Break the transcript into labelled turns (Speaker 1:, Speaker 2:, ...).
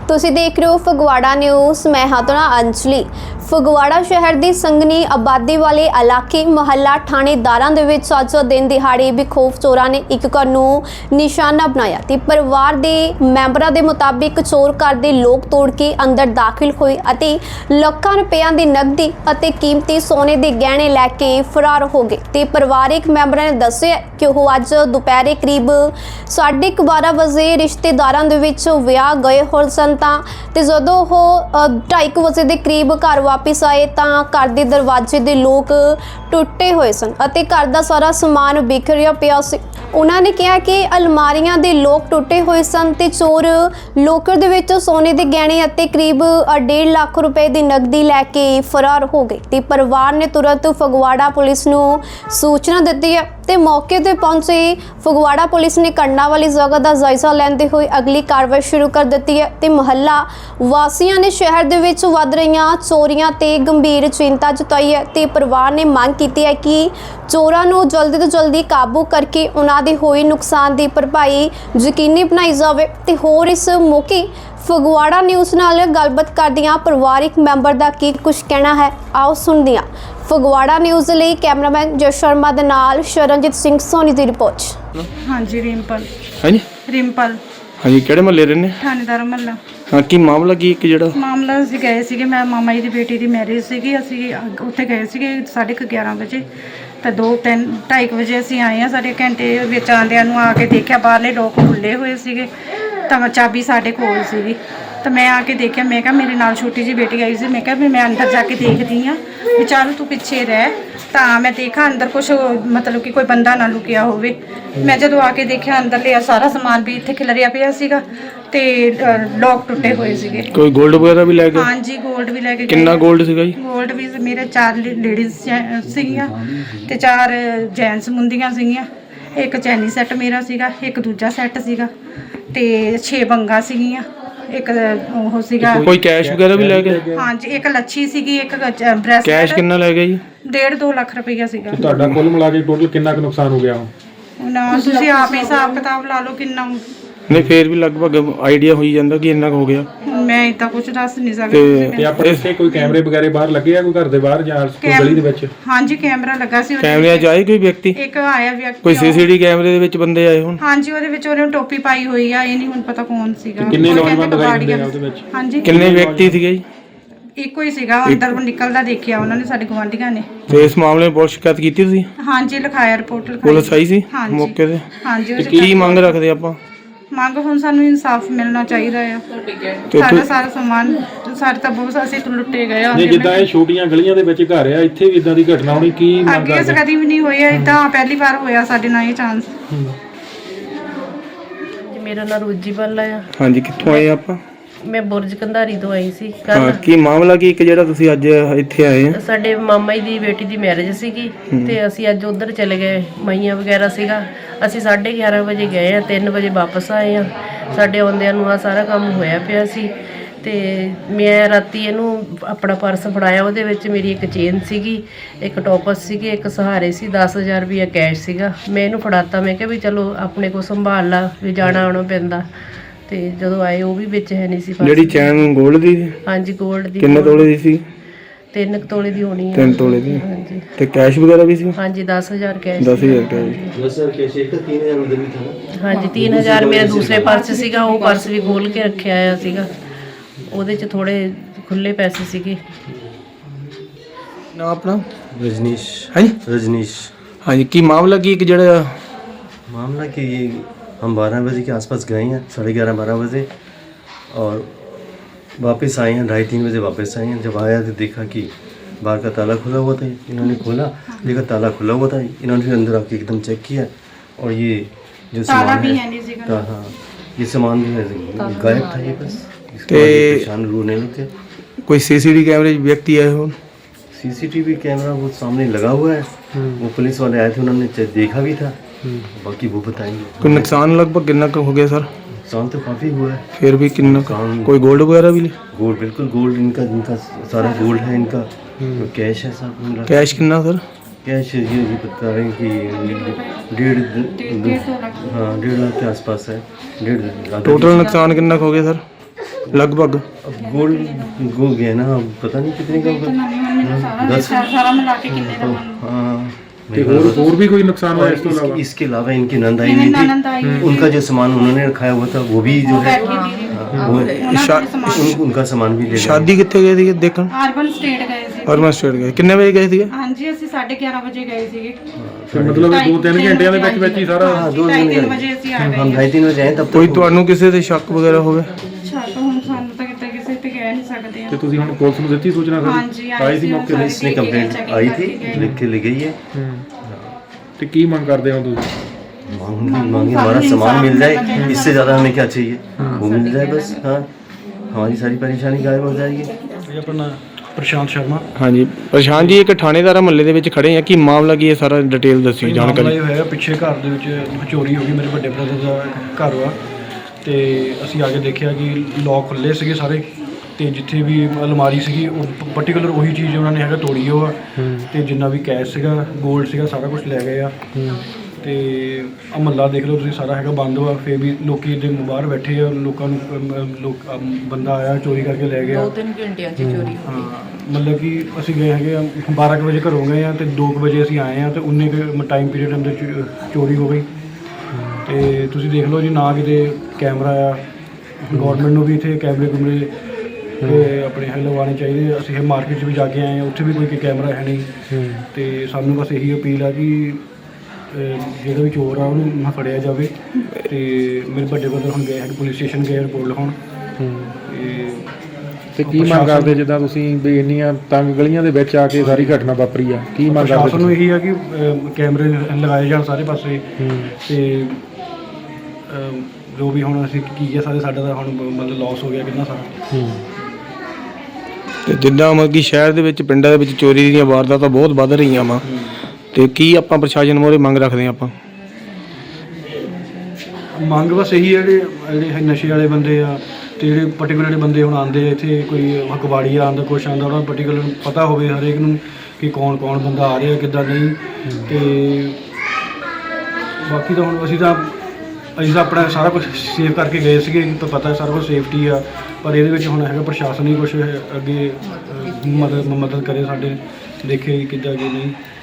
Speaker 1: ਤੁਸੀਂ ਦੇਖ ਰਹੇ ਹੋ ਫਗਵਾੜਾ ਨਿਊਜ਼। मैं हाँ तो अंजलि। ਫਗਵਾੜਾ ਸ਼ਹਿਰ ਦੀ ਸੰਘਣੀ ਆਬਾਦੀ ਵਾਲੇ ਇਲਾਕੇ ਮੁਹੱਲਾ ਥਾਣੇਦਾਰਾਂ ਦੇ ਵਿੱਚ ਅੱਜ ਦਿਨ ਦਿਹਾੜੇ ਬੇਖੌਫ ਚੋਰਾਂ ਨੇ ਇੱਕ ਘਰ ਨੂੰ ਨਿਸ਼ਾਨਾ ਬਣਾਇਆ ਤੇ ਪਰਿਵਾਰ ਦੇ ਮੈਂਬਰਾਂ ਦੇ ਮੁਤਾਬਿਕ ਚੋਰ ਘਰ ਦੇ ਲੋਕ ਤੋੜ ਕੇ ਅੰਦਰ ਦਾਖਲ ਹੋਏ ਅਤੇ ਲੱਖਾਂ ਰੁਪਈਆਂ ਦੀ ਨਕਦੀ ਅਤੇ ਕੀਮਤੀ ਸੋਨੇ ਦੇ ਗਹਿਣੇ ਲੈ ਕੇ ਫਰਾਰ ਹੋ ਗਏ ਤੇ ਪਰਿਵਾਰਕ ਮੈਂਬਰਾਂ ਨੇ ਦੱਸਿਆ ਕਿ ਉਹ ਅੱਜ ਦੁਪਹਿਰੇ ਕਰੀਬ 12:30 ਵਜੇ ਰਿਸ਼ਤੇਦਾਰਾਂ ਦੇ ਵਿੱਚ ਵਿਆਹ ਗਏ ਹੋਏ ਸਨ ਤੇ ਜਦੋਂ ਉਹ 2:30 ਵਜੇ ਦੇ ਕਰੀਬ ਘਰ ਵਾਪਿਸ ਆਏ ਤਾਂ ਘਰ ਦੇ ਦਰਵਾਜ਼ੇ ਦੇ ਲੋਕ ਟੁੱਟੇ ਹੋਏ ਸਨ ਅਤੇ ਘਰ ਦਾ ਸਾਰਾ ਸਮਾਨ ਬਿਖਰਿਆ ਪਿਆ ਸੀ। ਉਹਨਾਂ ਨੇ ਕਿਹਾ ਕਿ ਅਲਮਾਰੀਆਂ ਦੇ ਲੋਕ ਟੁੱਟੇ ਹੋਏ ਸਨ ਤੇ ਚੋਰ ਲੋਕਰ ਦੇ ਵਿੱਚ ਸੋਨੇ ਦੇ ਗਹਿਣੇ ਅਤੇ ਕਰੀਬ 1.5 ਲੱਖ ਰੁਪਏ ਦੀ ਨਕਦੀ ਲੈ ਕੇ ਫਰਾਰ ਹੋ ਗਏ ਤੇ ਪਰਿਵਾਰ ਨੇ ਤੁਰੰਤ ਫਗਵਾੜਾ ਪੁਲਿਸ ਨੂੰ ਸੂਚਨਾ ਦਿੱਤੀ ਹੈ ਤੇ ਮੌਕੇ ਤੇ ਪਹੁੰਚੇ ਫਗਵਾੜਾ ਪੁਲਿਸ ਨੇ ਘਟਨਾ ਵਾਲੀ ਜਗ੍ਹਾ ਦਾ ਜਾਇਜ਼ਾ ਲੈਂਦੇ ਹੋਏ ਅਗਲੀ ਕਾਰਵਾਈ ਸ਼ੁਰੂ ਕਰ ਦਿੱਤੀ ਹੈ ਤੇ ਮੁਹੱਲਾ ਵਾਸੀਆਂ ਨੇ ਸ਼ਹਿਰ ਦੇ ਵਿੱਚ ਵੱਧ ਰਹੀਆਂ ਚੋਰੀਆਂ ਤੇ ਗੰਭੀਰ ਚਿੰਤਾ ਜਤਾਈ ਹੈ ਤੇ ਪਰਿਵਾਰ ਨੇ ਮੰਗ ਕੀਤੀ ਹੈ ਕਿ ਚੋਰਾਂ ਨੂੰ ਜਲਦੀ ਤੋਂ ਜਲਦੀ ਕਾਬੂ ਕਰਕੇ ਉਹਨਾਂ ਦੇ ਹੋਏ ਨੁਕਸਾਨ ਦੀ ਭਰਪਾਈ ਯਕੀਨੀ ਬਣਾਈ ਜਾਵੇ ਤੇ ਹੋਰ ਇਸ ਮੌਕੇ ਫਗਵਾੜਾ ਨਿਊਜ਼ ਨਾਲ ਗੱਲਬਾਤ ਕਰਦਿਆਂ ਪਰਿਵਾਰਕ ਮੈਂਬਰ ਦਾ ਕੀ ਕੁਝ ਕਹਿਣਾ ਹੈ, ਆਓ ਸੁਣਦੇ ਹਾਂ। ਫਗਵਾੜਾ ਨਿਊਜ਼ ਲਈ ਕੈਮਰਾਮੈਨ ਜਸ ਸ਼ਰਮਾ ਦੇ ਨਾਲ ਸ਼ਰਨਜੀਤ ਸਿੰਘ ਸੋਨੀ ਦੀ ਰਿਪੋਰਟ।
Speaker 2: ਹਾਂਜੀ ਰਿੰਪਲ।
Speaker 3: ਹਾਂਜੀ
Speaker 2: ਰਿੰਪਲ।
Speaker 3: ਹਾਂਜੀ ਕਿਹੜੇ ਮਹੱਲੇ ਰਹਿੰਦੇ?
Speaker 2: ਥਾਣੇਦਾਰ ਮਹੱਲਾ।
Speaker 3: ਹਾਂ ਕੀ ਮਾਮਲਾ ਕੀ ਇੱਕ ਜਿਹੜਾ
Speaker 2: ਮਾਮਲਾ ਅਸੀਂ ਗਏ ਸੀਗੇ, ਮੈਂ ਮਾਮਾ ਜੀ ਦੀ ਬੇਟੀ ਦੀ ਮੈਰਿਜ ਸੀਗੀ, ਅਸੀਂ ਉੱਥੇ ਗਏ ਸੀਗੇ 11:30 ਵਜੇ ਤਾਂ 2-2:30 ਵਜੇ ਅਸੀਂ ਆਏ ਹਾਂ। ਸਾਡੇ ਘੰਟੇ ਵਿੱਚ ਆਉਂਦਿਆਂ ਨੂੰ ਆ ਕੇ ਦੇਖਿਆ ਬਾਹਰਲੇ ਲੋਕ ਖੁੱਲੇ ਹੋਏ ਸੀਗੇ ਤਾਂ ਚਾਬੀ ਸਾਡੇ ਕੋਲ ਸੀਗੀ ਤਾਂ ਮੈਂ ਆ ਕੇ ਦੇਖਿਆ। ਮੈਂ ਕਿਹਾ ਮੇਰੇ ਨਾਲ ਛੋਟੀ ਜਿਹੀ ਬੇਟੀ ਆਈ ਸੀ, ਮੈਂ ਕਿਹਾ ਵੀ ਮੈਂ ਅੰਦਰ ਜਾ ਕੇ ਦੇਖਦੀ ਹਾਂ ਵੀ ਚੱਲ ਤੂੰ ਪਿੱਛੇ ਰਹਿ। ਤਾਂ ਮੈਂ ਦੇਖਾਂ ਅੰਦਰ ਕੁਛ ਮਤਲਬ ਕਿ ਕੋਈ ਬੰਦਾ ਨਾ ਲੁਕਿਆ ਹੋਵੇ। ਮੈਂ ਜਦੋਂ ਆ ਕੇ ਦੇਖਿਆ ਅੰਦਰ ਲਿਆ ਸਾਰਾ ਸਮਾਨ ਵੀ ਇੱਥੇ ਖਿਲਰਿਆ ਪਿਆ ਸੀਗਾ ਤੇ ਲੋਕ ਟੁੱਟੇ ਹੋਏ ਸੀਗੇ।
Speaker 3: ਕੋਈ 골ਡ ਵਗੈਰਾ ਵੀ ਲੈ ਗਏ?
Speaker 2: ਹਾਂਜੀ 골ਡ ਵੀ ਲੈ ਕੇ।
Speaker 3: ਕਿੰਨਾ 골ਡ ਸੀਗਾ ਜੀ?
Speaker 2: 골ਡ ਵੀ ਮੇਰੇ 4 ਲੇਡੀਜ਼ ਸੀਗੀਆਂ ਤੇ 4 ਜੈਂਟਸ ਮੁੰਦੀਆਂ ਸੀਗੀਆਂ। ਇੱਕ ਚੈਨੀ ਸੈੱਟ ਮੇਰਾ ਸੀਗਾ, ਇੱਕ ਦੂਜਾ ਸੈੱਟ ਸੀਗਾ ਤੇ 6 ਬੰਗਾ ਸੀਗੀਆਂ, ਇੱਕ ਉਹ ਸੀਗਾ।
Speaker 3: ਕੋਈ ਕੈਸ਼ ਵਗੈਰਾ ਵੀ ਲੈ ਗਏ?
Speaker 2: ਹਾਂਜੀ ਇੱਕ ਲੱਛੀ ਸੀਗੀ, ਇੱਕ ਬ੍ਰੈਸਲੈਟ।
Speaker 3: ਕੈਸ਼ ਕਿੰਨਾ ਲੈ ਗਏ ਜੀ?
Speaker 2: 1.5-2 ਲੱਖ ਰੁਪਈਆ ਸੀਗਾ।
Speaker 4: ਤੁਹਾਡਾ ਕੁੱਲ ਮਿਲਾ ਕੇ ਟੋਟਲ ਕਿੰਨਾ ਕੁ ਨੁਕਸਾਨ ਹੋ ਗਿਆ?
Speaker 2: ਨਾ ਤੁਸੀਂ ਆਪ ਹੀ ਹਿਸਾਬ ਕਿਤਾਬ ਲਾ ਲਓ ਕਿੰਨਾ।
Speaker 3: ਨਹੀਂ ਫੇਰ ਵੀ ਲਗਭਗ ਆਈਡੀਆ ਹੋਈ ਜਾਂਦਾ ਕਿ ਇੰਨਾ ਕੁ ਹੋ ਗਿਆ।
Speaker 2: ਮੈਂ ਇਦਾਂ ਕੁਝ ਦੱਸ ਨਹੀਂ ਸਕਦੀ।
Speaker 4: ਤੇ ਆਪਣੇ ਇੱਥੇ ਕੋਈ ਕੈਮਰੇ ਵਗੈਰੇ ਬਾਹਰ ਲੱਗੇ ਆ ਕੋਈ ਘਰ ਦੇ ਬਾਹਰ ਜਾਂ ਕੋਈ ਗਲੀ ਦੇ ਵਿੱਚ?
Speaker 2: ਹਾਂਜੀ ਕੈਮਰਾ ਲੱਗਾ ਸੀ।
Speaker 3: ਕੈਮਰਿਆਂ 'ਚ ਆਏ ਕੋਈ ਵਿਅਕਤੀ?
Speaker 2: ਇੱਕ ਆਇਆ ਵਿਅਕਤੀ।
Speaker 3: ਕੋਈ ਸੀਸੀਟੀ ਕੈਮਰੇ ਦੇ ਵਿੱਚ ਬੰਦੇ ਆਏ ਹੁਣ?
Speaker 2: ਹਾਂਜੀ ਉਹਦੇ ਵਿੱਚ ਉਹਨੇ ਟੋਪੀ ਪਾਈ ਹੋਈ ਆ, ਇਹ ਨਹੀਂ ਹੁਣ ਪਤਾ ਕੌਣ ਸੀਗਾ।
Speaker 4: ਕਿੰਨੇ ਨੌਜਵਾਨ ਦਿਖਾਈ ਦਿੰਦੇ ਆ ਉਹਦੇ ਵਿੱਚ?
Speaker 2: ਹਾਂਜੀ
Speaker 3: ਕਿੰਨੇ ਵਿਅਕਤੀ ਸੀਗੇ ਜੀ?
Speaker 2: ਇੱਕੋ ਹੀ ਸੀਗਾ, ਅੰਦਰ ਨਿਕਲਦਾ ਦੇਖਿਆ ਉਹਨਾਂ ਨੇ, ਸਾਡੇ ਗੁਆਂਢੀਆਂ ਨੇ।
Speaker 3: ਤੇ ਇਸ ਮਾਮਲੇ ਵਿੱਚ ਪੁਲਿਸ ਸ਼ਿਕਾਇਤ ਕੀਤੀ ਤੁਸੀਂ?
Speaker 2: ਹਾਂਜੀ ਲਿਖਾਇਆ, ਰਿਪੋਰਟ ਲਿਖਾਈ।
Speaker 3: ਪੁਲਿਸ ਆਈ ਸੀ
Speaker 2: ਹਾਂਜੀ।
Speaker 3: ਮੌਕੇ ਤੇ?
Speaker 2: ਹਾਂਜੀ।
Speaker 3: ਕੀ ਮੰਗ ਰੱਖਦੇ ਆਪਾਂ?
Speaker 2: ਮੰਗ ਹੁਣ ਸਾਨੂੰ ਇਨਸਾਫ ਮਿਲਣਾ ਚਾਹੀਦਾ ਆ। ਸਾਰਾ ਸਮਾਨ ਸਾਡੇ ਤਾਂ ਬਹੁਤ ਅਸੀਂ ਲੁੱਟੇ ਗਏ ਆ।
Speaker 4: ਨਹੀਂ ਜਿੱਦਾਂ ਇਹ ਛੋਟੀਆਂ ਗਲੀਆਂ ਦੇ ਵਿੱਚ ਘਰ ਆ, ਇੱਥੇ ਵੀ ਇਦਾਂ ਦੀ ਘਟਨਾ ਹੋਣੀ ਕੀ ਮੰਗ
Speaker 2: ਅੱਗੇ
Speaker 4: ਕਰਦੇ?
Speaker 2: ਕਦੀ ਵੀ ਨਹੀਂ ਹੋਇਆ ਇਦਾਂ, ਪਹਿਲੀ ਵਾਰ ਹੋਇਆ ਸਾਡੇ ਨਾਲ ਇਹ ਚਾਂਸ।
Speaker 5: ਮੇਰਾ ਨਾਮ ਰੋਜੀ ਬੱਲਾ ਆ।
Speaker 3: ਹਾਂਜੀ ਕਿੱਥੋਂ ਆਏ ਆਪਾਂ?
Speaker 5: ਮੈਂ ਬੁਰਜ ਕੰਧਾਰੀ ਤੋਂ ਆਈ ਸੀ
Speaker 3: ਹਾਂ
Speaker 5: ਕੱਲ।
Speaker 3: ਕੀ ਮਾਮਲਾ ਕੀ ਇੱਕ ਜਿਹੜਾ ਤੁਸੀਂ ਅੱਜ ਇੱਥੇ ਆਏ ਆ?
Speaker 5: ਸਾਡੇ ਮਾਮਾ ਜੀ ਦੀ ਬੇਟੀ ਦੀ ਮੈਰਿਜ ਸੀਗੀ ਤੇ ਅਸੀਂ ਅੱਜ ਉਧਰ ਚਲੇ ਗਏ। ਮਈਆਂ ਵਗੈਰਾ ਸੀਗਾ। ਅਸੀਂ 11:30 ਵਜੇ ਗਏ ਆ, 3 ਵਜੇ ਵਾਪਸ ਆਏ ਆ। ਸਾਡੇ ਆਉਂਦਿਆਂ ਨੂੰ ਆ ਸਾਰਾ ਕੰਮ ਹੋਇਆ ਪਿਆ ਸੀ ਤੇ ਮੈਂ ਰਾਤੀ ਇਹਨੂੰ ਆਪਣਾ ਪਰਸ ਫੜਾਇਆ। ਉਹਦੇ ਵਿੱਚ ਮੇਰੀ ਇੱਕ ਚੇਨ ਸੀਗੀ, ਇੱਕ ਟੋਪਸ ਸੀਗੇ, ਇੱਕ ਸਹਾਰੇ ਸੀ, 10,000 ਰੁਪਇਆ ਕੈਸ਼ ਸੀਗਾ। ਮੈਂ ਇਹਨੂੰ ਫੜਾਤਾ, ਮੈਂ ਕਿਹਾ ਵੀ ਚਲੋ ਆਪਣੇ ਕੋਲ ਸੰਭਾਲ ਲਾ, ਵੀ ਜਾਣਾ ਆਉਣਾ ਪੈਂਦਾ। ਤੇ ਜਦੋਂ ਆਏ ਉਹ ਵੀ ਵਿੱਚ ਹੈ ਨਹੀਂ ਸੀ।
Speaker 3: ਜਿਹੜੀ ਚੈਨ 골ਡ ਦੀ?
Speaker 5: ਹਾਂਜੀ 골ਡ ਦੀ।
Speaker 3: ਕਿੰਨੇ ਤੋਲੇ ਦੀ ਸੀ?
Speaker 5: 3 ਤੋਲੇ ਦੀ ਹੋਣੀ ਹੈ।
Speaker 3: 3 ਤੋਲੇ ਦੀ।
Speaker 5: ਹਾਂਜੀ।
Speaker 3: ਤੇ ਕੈਸ਼ ਵਗੈਰਾ ਵੀ ਸੀ?
Speaker 5: ਹਾਂਜੀ 10,000 ਕੈਸ਼।
Speaker 3: 10,000 ਕੈਸ਼।
Speaker 5: ਹਾਂਜੀ 3,000 ਮੇਰਾ ਦੂਸਰੇ ਪਰਸ ਸੀਗਾ, ਉਹ ਪਰਸ ਵੀ ਖੋਲ ਕੇ ਰੱਖਿਆ ਆ ਸੀਗਾ। ਉਹਦੇ 'ਚ ਥੋੜੇ ਖੁੱਲੇ ਪੈਸੇ ਸੀਗੇ।
Speaker 3: ਨਾ ਆਪਣਾ?
Speaker 6: रजनीश।
Speaker 3: ਹਾਂਜੀ
Speaker 6: रजनीश।
Speaker 3: ਹਾਂਜੀ ਕੀ ਮਾਮਲਾ ਕੀ ਇੱਕ ਜਿਹੜਾ
Speaker 6: मामला कि ये हम 12 बजे के आसपास गए हैं, 11:30-12 बजे, और वापस आए हैं 2:30-3 बजे वापस आए हैं। जब आया तो देखा कि बाहर का ताला खुला हुआ था। इन्होंने खोला, देखा ताला खुला हुआ था। इन्होंने फिर अंदर आके एकदम चेक किया और ये जो सामान है, हाँ ये सामान जो है गायब था। ये बस इसके बाद ये परेशान रोने लगे।
Speaker 3: कोई सीसीटीवी कैमरे व्यक्ति आए हो?
Speaker 6: सीसीटीवी कैमरा वो सामने लगा हुआ है। वो पुलिस वाले आए थे, उन्होंने देखा भी था, बाकी वो बताएंगे।
Speaker 3: कोई नुकसान लगभग कितना हो गया सर?
Speaker 6: नुकसान तो काफ़ी हुआ है।
Speaker 3: फिर भी कितना? कोई गोल्ड वगैरह भी?
Speaker 6: गोल्ड, बिल्कुल गोल्ड। इनका सारा गोल्ड है इनका। तो कैश है सब।
Speaker 3: कैश कितना सर?
Speaker 6: कैश ये बता रहे हैं कि 1.5 लाख के आसपास है। 1.5 लाख।
Speaker 3: टोटल नुकसान कितना हो गया सर? ਲਗਭਗ
Speaker 6: अब गोल्ड गो गया ना, अब पता नहीं कितने का होगा।
Speaker 2: ਮੈਨੂੰ ਸਾਰਾ
Speaker 6: 10
Speaker 2: ਸਾਰਾ ਮਿਲਾ ਕੇ किन्ने ਦਾ बन
Speaker 6: हाँ
Speaker 4: ਤੇ ਹੋਰ ਵੀ ਕੋਈ ਨੁਕਸਾਨ ਹੋਇਆ ਇਸ ਤੋਂ ਇਲਾਵਾ?
Speaker 6: इसके अलावा इनकी नंद आई
Speaker 2: मेरी
Speaker 6: हुई
Speaker 2: ननद आई
Speaker 6: थी,
Speaker 2: हुई
Speaker 6: उनका जो सामान उन्होंने रखाया हुआ था वो भी जो है उनका सामान भी ले गए।
Speaker 3: ਸ਼ਾਦੀ ਕਿੱਥੇ ਗਏ ਸੀਗੇ ਦੇਖਣ?
Speaker 2: ਅਰਬਨ ਸਟੇਟ ਗਏ ਸੀ।
Speaker 3: ਅਰਮਨ ਸਟੇਟ ਗਏ। ਕਿੰਨੇ ਵਜੇ ਗਏ ਸੀਗੇ?
Speaker 2: ਹਾਂਜੀ ਅਸੀਂ 11:30 ਵਜੇ ਗਏ ਸੀਗੇ।
Speaker 4: ਤੇ ਮਤਲਬ 2-3 ਘੰਟਿਆਂ ਦੇ ਵਿੱਚ ਹੀ ਸਾਰਾ?
Speaker 6: हाँ 2-3
Speaker 2: ਵਜੇ ਅਸੀਂ ਆ
Speaker 6: हम
Speaker 2: ਗਏ।
Speaker 6: 2:30 बजे आए तब
Speaker 3: ਕੋਈ
Speaker 6: तक
Speaker 3: ਤੁਹਾਨੂੰ ਕਿਸੇ ਤੇ ਸ਼ੱਕ ਵਗੈਰਾ ਹੋਵੇ?
Speaker 2: ਛੱਡ ਹੁਣ ਸਾਨੂੰ ਤਾਂ ਕਿਤੇ ਕਿਸੇ ਤੇ ਕਹਿ ਨਹੀਂ ਸਕਦੇ
Speaker 4: ਤੇ
Speaker 2: ਆ।
Speaker 4: ਤੁਸੀਂ ਹੁਣ ਪੁਲਿਸ ਨੂੰ ਦਿੱਤੀ ਸੂਚਨਾ?
Speaker 2: ਹਾਂਜੀ
Speaker 4: ਆਈ ਸੀ ਮੌਕੇ ਤੇ?
Speaker 6: इसने कंप्लेंट आई थी, लिख के ले गई है।
Speaker 4: ਤੇ ਕੀ ਮੰਗ ਕਰਦੇ ਹੋ ਤੁਸੀਂ?
Speaker 6: मांगे हमारा सामान मिल जाए, इससे ज़्यादा हमें क्या चाहिए, वो मिल जाए बस। हाँ हमारी सारी परेशानी गायब हो जाएगी।
Speaker 7: ਇਹ ਆਪਣਾ ਪ੍ਰਸ਼ਾਂਤ ਸ਼ਰਮਾ।
Speaker 3: ਹਾਂਜੀ ਪ੍ਰਸ਼ਾਂਤ ਜੀ, ਇੱਕ ਥਾਣੇਦਾਰਾ ਮਹੱਲੇ ਦੇ ਵਿੱਚ ਖੜੇ ਆ, ਕੀ ਮਾਮਲਾ ਕੀ ਹੈ ਸਾਰਾ ਡਿਟੇਲ ਦੱਸੀ
Speaker 7: ਮਾਮਲਾ
Speaker 3: ਜਾਣਕਾਰੀ।
Speaker 7: ਇਹ ਹੋਇਆ, ਪਿੱਛੇ ਘਰ ਦੇ ਵਿੱਚ ਚੋਰੀ ਹੋ ਗਈ। ਮੇਰੇ ਵੱਡੇ ਬ੍ਰਦਰ ਦਾ ਘਰ ਵਾ, ਤੇ ਅਸੀਂ ਆ ਕੇ ਦੇਖਿਆ ਕਿ ਲੋਕ ਖੁੱਲੇ ਸੀਗੇ ਸਾਰੇ, ਤੇ ਜਿੱਥੇ ਵੀ ਅਲਮਾਰੀ ਸੀਗੀ ਉਹ ਪਾਰਟਿਕੂਲਰ ਉਹੀ ਚੀਜ਼ ਉਹਨਾਂ ਨੇ ਹੈਗਾ ਤੋੜੀ ਉਹ ਆ, ਤੇ ਜਿੰਨਾ ਵੀ ਕੈਸ਼ ਸੀਗਾ, 골ਡ ਸੀਗਾ, ਸਾਰਾ ਕੁਝ ਲੈ ਗਏ ਆ। ਤੇ ਆਹ ਮਹੱਲਾ ਦੇਖ ਲਓ ਤੁਸੀਂ, ਸਾਰਾ ਹੈਗਾ ਬੰਦ ਵਾ। ਫਿਰ ਵੀ ਲੋਕੀ ਇਹਦੇ ਬਾਹਰ ਬੈਠੇ ਆ, ਲੋਕਾਂ ਨੂੰ ਬੰਦਾ ਆਇਆ ਚੋਰੀ ਕਰਕੇ ਲੈ ਗਿਆ।
Speaker 5: 2-3 ਘੰਟਿਆਂ 'ਚ ਚੋਰੀ
Speaker 7: ਹਾਂ ਮਤਲਬ ਕਿ ਅਸੀਂ ਗਏ ਹੈਗੇ ਆ 12 ਕੁ ਵਜੇ ਘਰੋਂ ਗਏ ਆ, ਤੇ 2 ਕੁ ਵਜੇ ਅਸੀਂ ਆਏ ਆ, ਤੇ ਉਨੇ ਕੁ ਟਾਈਮ ਪੀਰੀਅਡ ਅੰਦਰ ਚੋਰੀ ਹੋ ਗਈ। ਤੇ ਤੁਸੀਂ ਦੇਖ ਲਓ ਜੀ, ਨਾ ਕਿਤੇ ਕੈਮਰਾ ਆ। ਗੌਰਮੈਂਟ ਨੂੰ ਵੀ ਇੱਥੇ ਕੈਮਰੇ ਕੁਮਰੇ ਤੇ ਆਪਣੇ ਲਗਵਾਉਣੇ ਚਾਹੀਦੇ। ਅਸੀਂ ਇਹ ਮਾਰਕੀਟ 'ਚ ਵੀ ਜਾ ਕੇ ਆਏ ਆ, ਉੱਥੇ ਵੀ ਕੋਈ ਕੈਮਰਾ ਹੈ ਨਹੀਂ। ਤੇ ਸਾਨੂੰ ਬਸ ਇਹੀ ਅਪੀਲ ਆ ਕਿ ਜਿਹੜਾ ਵੀ ਚੋਰ ਆ ਉਹਨੂੰ ਫੜਿਆ ਜਾਵੇ। ਤੇ ਮੇਰੇ ਵੱਡੇ ਬ੍ਰਦਰ ਹੁਣ ਗਏ ਹੈਗੇ ਪੁਲਿਸ ਸਟੇਸ਼ਨ, ਗਏ ਰਿਪੋਰਟ ਲਿਖਾਉਣ।
Speaker 4: ਤੇ ਕੀ ਮੰਗ ਕਰਦੇ ਜਿੱਦਾਂ ਤੁਸੀਂ ਵੀ ਇੰਨੀਆਂ ਤੰਗ ਗਲੀਆਂ ਦੇ ਵਿੱਚ ਆ ਕੇ ਸਾਰੀ ਘਟਨਾ ਵਾਪਰੀ ਆ, ਕੀ ਮੰਗ ਕਰਦੇ
Speaker 7: ਪ੍ਰਸ਼ਾਸਨ ਨੂੰ ਇਹੀ ਆ ਕਿ ਕੈਮਰੇ ਲਗਾਏ ਜਾਣ ਸਾਰੇ ਪਾਸੇ। ਤੇ ਜੋ ਵੀ ਹੁਣ ਅਸੀਂ ਕੀ ਹੈ ਸਾਰੇ, ਸਾਡਾ ਤਾਂ ਹੁਣ ਮਤਲਬ ਲਾਸ ਹੋ ਗਿਆ ਕਿੰਨਾ ਸਾਰਾ।
Speaker 3: ਤੇ ਜਿੱਦਾਂ ਮਤਲਬ ਕਿ ਸ਼ਹਿਰ ਦੇ ਵਿੱਚ ਪਿੰਡਾਂ ਦੇ ਵਿੱਚ ਚੋਰੀ ਦੀਆਂ ਵਾਰਦਾਤਾਂ ਬਹੁਤ ਵੱਧ ਰਹੀਆਂ ਵਾ, ਤੇ ਕੀ ਆਪਾਂ ਪ੍ਰਸ਼ਾਸਨ ਮੋਰੇ ਮੰਗ ਰੱਖਦੇ ਆਪਾਂ?
Speaker 7: ਮੰਗ ਬਸ ਇਹੀ ਹੈ, ਜਿਹੜੇ ਨਸ਼ੇ ਵਾਲੇ ਬੰਦੇ ਆ, ਤੇ ਜਿਹੜੇ ਪਾਰਟਿਕੂਲਰ ਬੰਦੇ ਹੁਣ ਆਉਂਦੇ ਆ ਇੱਥੇ, ਕੋਈ ਕਬਾੜੀ ਆਉਂਦਾ, ਕੁਛ ਆਉਂਦਾ, ਉਹਨਾਂ ਨੂੰ ਪਾਰਟਿਕੂਲਰ ਪਤਾ ਹੋਵੇ ਹਰੇਕ ਨੂੰ ਕਿ ਕੌਣ ਬੰਦਾ ਆ ਰਿਹਾ ਕਿੱਦਾਂ ਨਹੀਂ। ਤੇ ਬਾਕੀ ਤਾਂ ਹੁਣ ਅਸੀਂ ਤਾਂ ਆਪਣਾ ਸਾਰਾ ਕੁਝ ਸੇਵ ਕਰਕੇ ਗਏ ਸੀਗੇ, ਤਾਂ ਪਤਾ ਸਾਰਾ ਕੁਝ ਸੇਫਟੀ ਆ। ਪਰ ਇਹਦੇ ਵਿੱਚ ਹੁਣ ਹੈਗਾ ਪ੍ਰਸ਼ਾਸਨ ਹੀ ਕੁਛ ਅੱਗੇ ਮਦਦ ਕਰੇ ਸਾਡੇ, ਦੇਖੇ ਕਿੱਦਾਂ ਅੱਗੇ ਨਹੀਂ।